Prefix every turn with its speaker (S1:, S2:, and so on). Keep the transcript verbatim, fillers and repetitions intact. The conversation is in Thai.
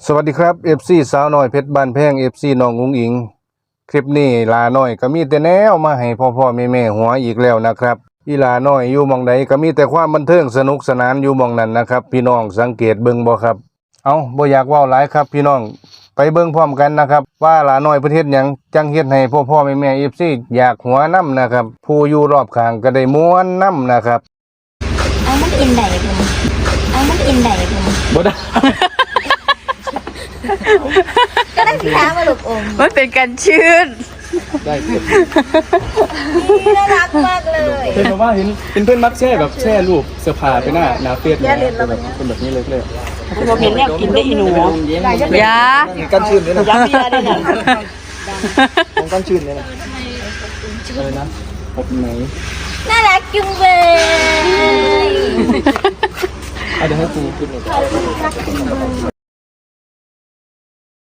S1: วัสดีครับ เอฟ ซี สาวน้อยเพชรบ้านแพง เอฟ ซี น้องอุ๋งอิงคลิปนี้ลาน้อยก็มีแต่แนวมาให้พ่อพ่อแม่แม่หัวอีกแล้วนะครับอีลาน้อยอยู่หม่องใดก็มีแต่ความบันเทิงสนุกสนานอยู่หม่องนั้นนะครับพี่น้องสังเกตเบิ่งบ่ครับเอาบ่อยากเว้าหลายครับพี่น้องไปเบิ่งพร้อมกันนะครับว่าลาน้อยประเทศหยังจังเฮ็ดให้พ่อพ่อแม่แม่ เอฟ ซี อยากหัวนํนะครับผู้อยู่รอบข้างก็ได้ม่วนนํนะครับ
S2: เอามันกินได้บ่เอามันกินได้บ่
S3: บ่ได้
S2: ก็ได้สิคะมาลูกอม
S4: มันเป็นกันชื้น
S3: ได้เพื่อน
S2: น่ารักมากเลย
S3: เห็นบอกว่าเห็นเป็นเพื่อนมักแช่แบบแช่รูปเสื้อผ้าไปหน้าหน้าเฟซเนี่ยเป็นแบบเป็นแบบนี้เลยเลย
S4: เราเห็นแล้วกินได้อีหนูยา
S3: กันชื้นเนี่ยนะ
S4: ยาเบียร์ได้เนี่ย
S3: ของกันชื้นเนี่ยนะอะไรนะอบไหน
S2: น่ารักจุงเบย
S3: เอาเดี๋ยวให้ครูขึ้นเลย